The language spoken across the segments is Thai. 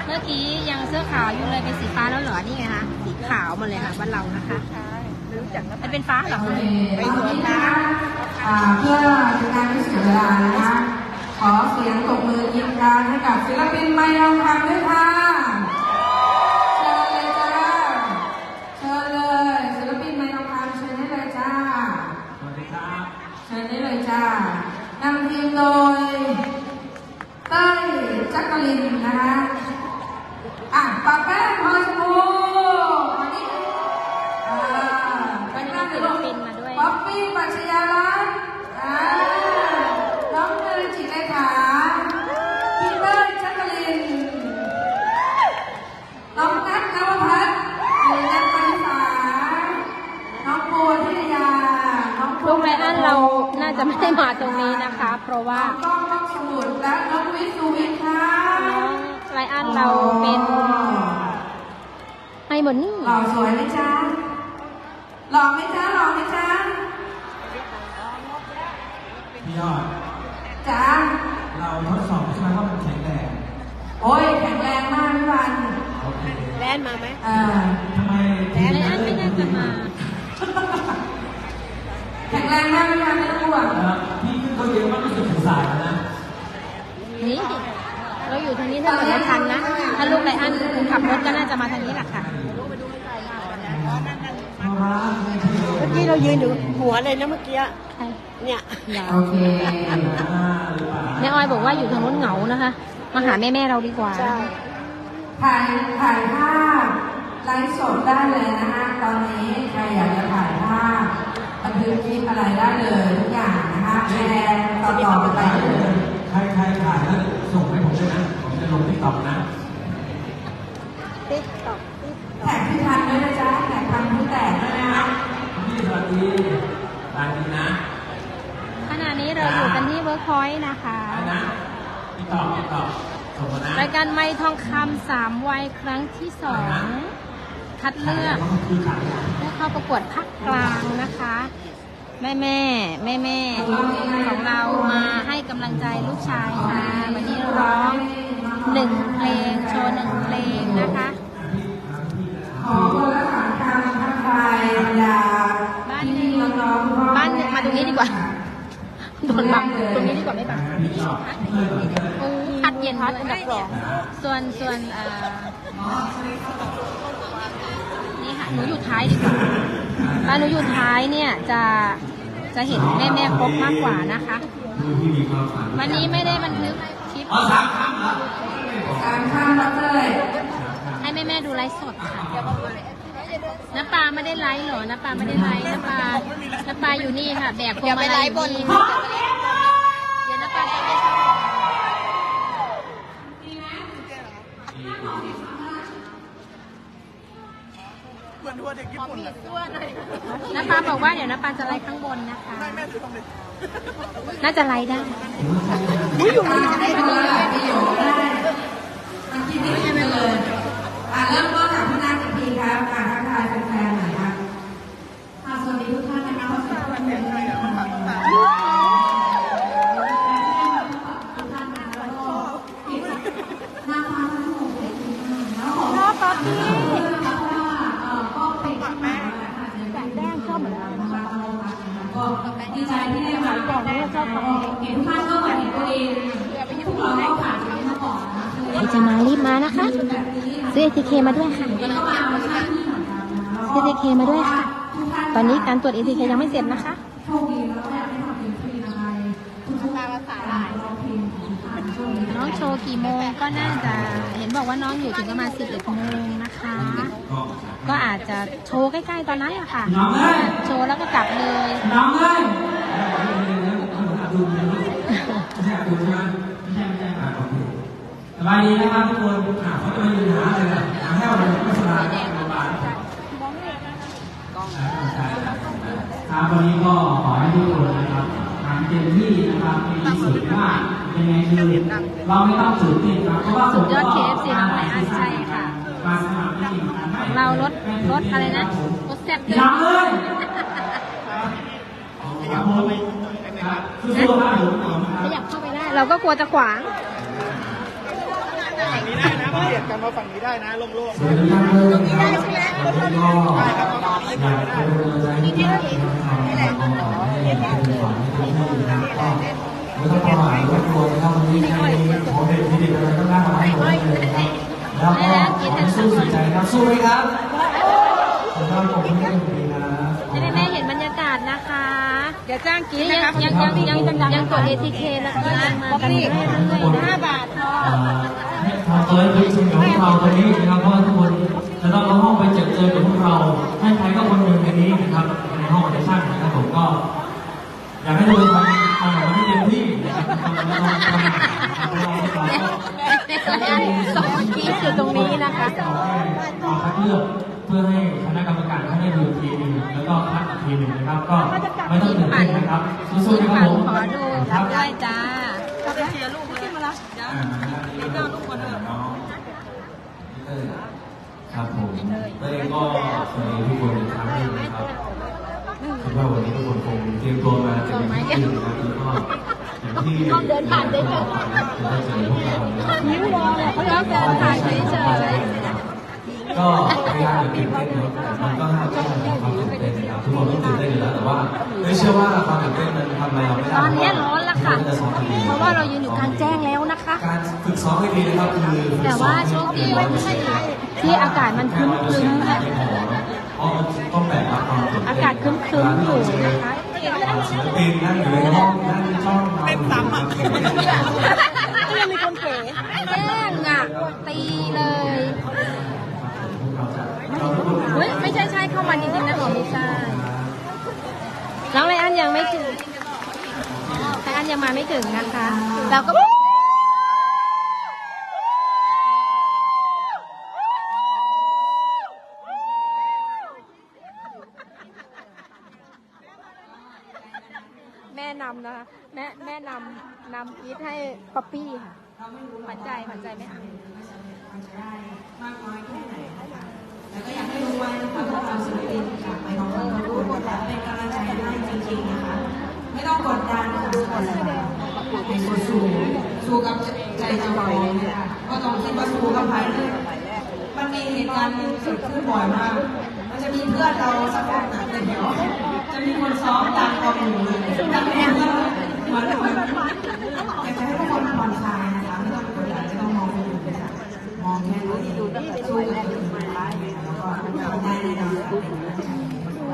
มื่อกี้ยังเสื้อขาวอยู่เลยเป็นสีฟ้าแล้วเหรอนี่ไงคะสีขาวมาเลยค่ะบ้านเรานะคะมันเป็นฟ้าเหรอไปสวนนะเพื่อเป็นการไม่เสียเวลานะคะขอเสียงตบมือยินดีให้กับศิลปินไมค์ทองคำด้วยค่ะเชิญเลยจ้าเชิญเลยศิลปินไมค์ทองคำเชิญได้เลยจ้าสวัสดีครับเชิญได้เลยจ้านำทีมโดยเต้ยจักรินนะคะปากแป้งพลอยชมพูอันนี้เป็นหน้าศิลปินมาด้วยป๊อปปี้ปัชญาลัตน์น้องเนยจิตเลขาพี่เต้ยจักรินน้องนัทนวพัฒน์หรือนัทปริษาน้องโบธิยาน้องลูกไรอันเราน่าจะไม่ได้มาตรงนี้นะคะเพราะว่าน้องก้องสมุทรและน้องวิสุวิทย์ค่ะน้องไรอันเราเป็นไฮหมดนี่หล่อสวยไหมจ๊ะหล่อไหมจ๊ะหล่อไหมจ๊ะพี่ยอดจ๊ะเราทดสอบใช่ไหมว่ามันแข็งแรงโอ้ยแข็งแรงมากพี่วันโอเคแลนมาไหมทำไมไรอันไม่น่าจะมาแข็งแรงมากพี่วันไม่ต้องห่วงพี่ขึ้นเขาเยอะมากรู้สึกสงสารนะนี่เราอยู่ทางนี้ถ้าเกิดไม่ทันนะถ้าลูกไรอันขับรถก็น่าจะมาทางนี้แหละค่ะเมื่อกี้เรายืนอยู่หัวเลยนะเมื่อกี้เนี่ยโอเคแม่ออยบอกว่าอยู่ทางนู้นเหงานะคะมาหาแม่เราดีกว่าถ่ายภาพไลฟ์สดได้เลยนะคะตอนนี้ใครอยากจะถ่ายภาพบันทึกคลิปอะไรได้เลยทุกอย่างนะคะแชร์ต่อๆไปเลยใครถ่ายแล้วส่งให้ผมด้วยนะผมจะลงที่ตอบนะแท็กพี่ทันด้วยนะจ๊ะแท็กทันพี่แตกด้วยนะคะพี่สวัสดีสวัสดีนะขณะนี้เราอยู่กันที่เวิร์คพอยต์นะคะพี่ตอบส่งมานะรายการไมค์ทองคำ3 วัยครั้งที่2คัดเลือกผู้เข้าประกวดภาคกลางนะคะแม่ของเรามาให้กำลังใจลูกชายค่ะวันนี้ร้อง1 เพลงโชว์1 เพลงนะคะขอคนละ3 คำทักทายบรรดาบ้านมาตรงนี้ดีกว่าโดนบังตรงนี้ดีกว่าไม่บังพัดเย็นพัดอันดับ2ส่วนนี่ค่ะหนูอยู่ท้ายดีกว่าบ้านหนูอยู่ท้ายเนี่ยจะเห็นแม่ครบมากกว่านะคะวันนี้ไม่ได้บันทึกคลิป 3 คำเหรอ 3 คำเลยให้แม่ดูไลฟ์สดค่ะน้ำปลาไม่ได้ไลฟ์หรอน้ำปลาไม่ได้ไลฟ์น้ำปลาอยู่นี่ค่ะแบกพวงมาลัยบนเดี๋ยวน้ำปลาจะไปเหมือนทัวร์เด็กญี่ปุ่นเลยน้ำปลาบอกว่าเดี๋ยวน้ำปลาจะไลฟ์ข้างบนนะคะน่าจะไลฟ์ได้อยู่นี่จะได้ดูมันคิดไม่ได้เลยเริ่มต้นจากพี่นัทอีกทีครับทักทายแฟนๆหน่อยครับสวัสดีทุกท่านนะคะสวัสดีทุกท่านน้องป๊อปปี้ก็เป็นแป้งชอบเหมือนกันก็ดีใจที่ได้มาก่อนที่จะเห็นท่านก็เหมือนตัวเองทุกเราก็ผ่านชีวิตมาก่อนใครจะมารีบมานะคะซื้อ ATK มาด้วยค่ะซื้อ ATK มาด้วยค่ะตอนนี้การตรวจ ATK ยังไม่เสร็จนะคะน้องโชว์กี่โมงก็น่าจะเห็นบอกว่าน้องอยู่ถึงประมาณ11 โมงนะคะก็อาจจะโชว์ใกล้ๆตอนนั้นแหละค่ะโชว์แล้วก็กลับเลยน้องเลยสบายดีนะครับทุกคนเขาจะมายืนหาเลยหาแห้วเลยไม่สบายครับวันนี้ก็ขอให้ทุกคนนะครับทำเต็มที่นะครับมีสุดว่ายังไงคือเราไม่ต้องตื่นเต้นครับเพราะว่าสุดยอด KFC น้องไรอันใช่ค่ะเรารถอะไรนะรถแซ่บเลยขยับเข้าไปได้เราก็กลัวจะขวางเปลี่ยนกันมาฝั่งนี้ได้นะโล่งตรงนี้ได้ใช่ไหมก็อยากจะเป็นกำลังใจให้นี่แหละให้เป็นฝันให้ทุกที่นะครับก็ไม่ต้องประมาทรบกวนนะครับวันนี้ใครของเด็กมีเด็กอะไรก็น่ามาให้ผมได้เลยครับแล้วก็ขอให้สู้สุดใจครับสู้ไหมครับผมว่าผมไม่ได้ดีนะให้แม่เห็นบรรยากาศนะคะอย่าจ้างกินนี่นะยังคะยังกด ATK นะคะมากันเรื่อยๆ5 บาทพอทำตัวให้ลึกซึ้งกับพวกเราตรงนี้นะครับเพราะว่าทุกคนจะต้องเข้าห้องไปเจอกับพวกเราให้ใครก็คนหนึ่งในนี้นะครับในห้องออดิชั่นนะครับผมก็อยากให้ทุกคนทำออกมาให้เต็มที่นะครับสองทีอยู่ตรงนี้นะคะเอาคัดเลือกเพื่อให้คณะกรรมการเขาได้ดูทีนึงแล้วก็คัดอีกทีหนึ่งนะครับก็ไม่ต้องตื่นเต้นนะครับสู้ๆนะครับผมขอดูรับได้จ้าก็ไปเชียร์ลูกขึ้นมาแล้วเดี๋ยวนี่ก็ลูกคนเดิมครับผมเต้ยก็สวัสดีทุกคนอีกครั้งหนึงนะครับคิดว่าวันนี้ทุกคนคงเตรียมตัวมาจะเป็นที่ดีนะครับแล้วก็อย่างที่เดินผ่านได้เลยจะได้เจอพวกเรานะครับนิ้วรอเลยเขาเดินผ่านเฉยก็พยายามตื่นเต้นนะครับแต่มันก็ห้ามไม่ได้ความตื่นเต้นนะครับทุกคนต้องตื่นเต้นอยู่แล้วแต่ว่าไม่เชื่อว่าความตื่นเต้นมันทำอะไรเราไม่ได้ตอนนี้ร้อนแล้วค่ะ เพราะว่าเรายืนอยู่กลางแจ้งแล้วนะคะการฝึกซ้อมให้ดีนะครับคือแต่ว่าโชคดีที่อากาศมันครึ้มๆค่ะเพราะมันต้องแบกรับความตื่นเต้นอากาศครึ้มๆอยู่นะคะศิลปินนั่งอยู่ในห้องนั่งจ้องเราเป็นซ้ำอ่ะก็ยังมีคนเก๋แจ้งอ่ะตีเลยเฮ้ยไม่ใช่เข้ามาจริงๆนะหรอไม่ใช่น้องไรอันยังไม่ถึงไรอันยังมาไม่ถึงนะคะเราก็แม่นำนะคะแม่นำอีทให้ป๊อปปี้ค่ะหวานใจแม่อ่ะมากน้อยแค่ไหนนะคะแล้วก็อยากให้รู้ไว้นะคะพวกเราศิลปินจากไปน้องๆทุกคนเป็นกำลังใจให้จริงๆนะคะ ไม่ต้องกดดันค่ะให้สู้กับใจเจ้าของนะคะก็ต้องคิดว่าสู้กับใครเลยมันมีเหตุการณ์เกิดขึ้นบ่อยมากมันจะมีเพื่อนเราสักคนหนึ่งในแถวจะมีคนซ้อมดังกว่าหมู่เลยดังแน่นเลยเหมือนอยากจะให้ทุกคนผ่อนคลายนะคะไม่ต้องกดดันไม่ต้องมองคนอื่นเลยค่ะมองแค่ตัวเองสู้กับตัวเองแล้วก็ทำได้แน่นอนค่ะ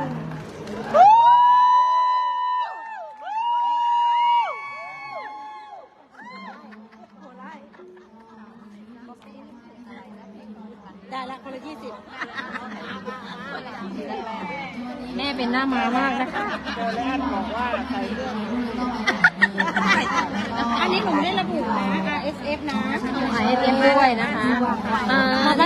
ได้ละคนละ20 แม่เป็นหน้ามามากนะคะอันนี้หนูไม่ได้ระบุนะ RSF นะหายเตรียมด้วยนะคะได้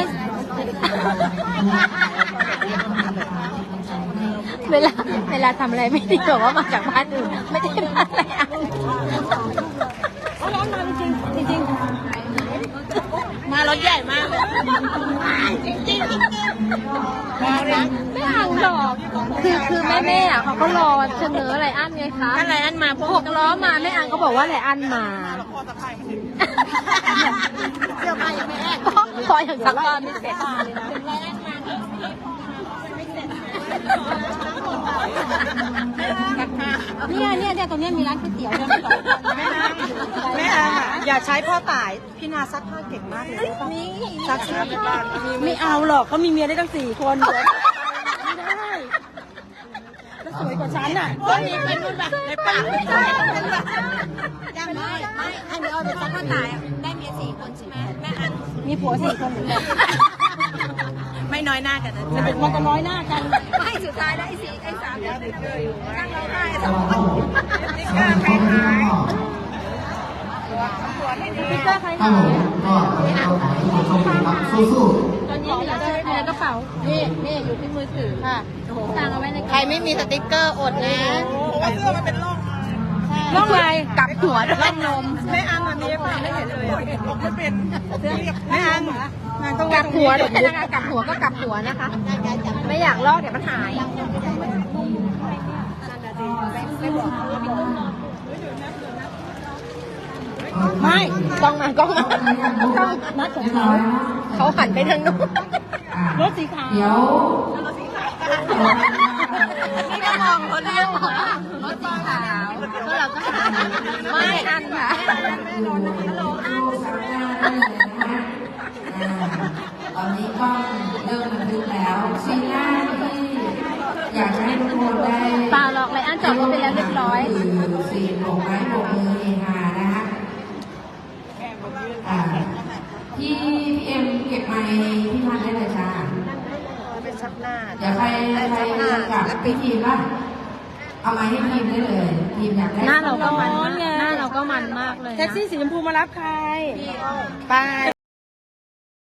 เวลาทำอะไรไม่ดีบอกว่ามาจากบ้านอื่นไม่ได้บ้านอะไรอ่ะเขาร้อนมาจริงจริงมารถใหญ่มากจริงมาเลยไม่อ่านหรอกคือแม่อ่ะเขาก็รอเสนออะไรอันไงคะอะไรอันมาพวก 6 ล้อมาแม่อันก็บอกว่าอะไรอันมาเสื้อผ้ายังไม่แอกพออย่างสักก้อนไม่เสร็จเนี่ยตรงนี้มีร้านก๋วยเตี๋ยวด้วยแม่อย่าใช้พ่อตายพี่นาซักผ้าเก่งมากเลยนี่ซักผ้าไม่เอาหรอกเขามีเมียได้ตั้ง4 คนไม่ได้แล้วสวยกว่าฉันอ่ะมีเป็นรุ่นแบบในปากไม่ใช่ยังไม่ให้เมียเอาไปซักผ้าตายได้เมีย4 คนใช่ไหมแม่อันมีผัว4 คนเหมือนกันไม่น้อยหน้ากันนะมันจะน้อยหน้ากันไม่สุดท้ายแล้วไอ้3เนี่ยนั่งร้องไห้2 คนนี่ก็ใครหายพี่ก็ใครครัหาบผมก็ขอให้ทุกคนโชคดีครับสู้ๆตอนนี้เหลือในกระเป๋านี่อยู่ที่มือถือค่ะสั่งเอาไว้ในใครไม่มีสติ๊กเกอร์อดนะเสื้อมันเป็นร่องร่องอะไรกลับหัวร่องนมไม่อันอันนี้ป่ะไม่เห็นเลยไม่เป็นไม่อันกลับหัวด้วยนะคะกลับหัวก็กลับหัวนะคะ ไม่อยากลอกเดี๋ยวมันหายไม่กล้องมากล้องมานัดของเขาเขาหันไปทางนู้นรถสีขาวเดี๋ยวนี่ก็มองเขาเรียกรถสีขาวแล้วเราก็หันไม่อันค่ะดูลูกซักหน้าได้เลยนะฮะตอนนี้ก็เริ่มบันทึกแล้วซีนแรกที่อยากจะให้ทุกคนได้เปล่าหรอกเลยอันจอดรถไปแล้วเรียบร้อยคือซีนโบกไม้โบกมือเฮฮานะฮะพี่เอ็มเก็บไมค์พี่พันได้เลยจ้าเป็นชักหน้าเดี๋ยวใครกับพี่ทีมป่ะเอาไม้ให้ทีมได้เลยทีมอยากได้หน้าเราก็มันมากหน้าเราก็มันมากเลยนะแท็กซี่สีชมพูมารับใครไป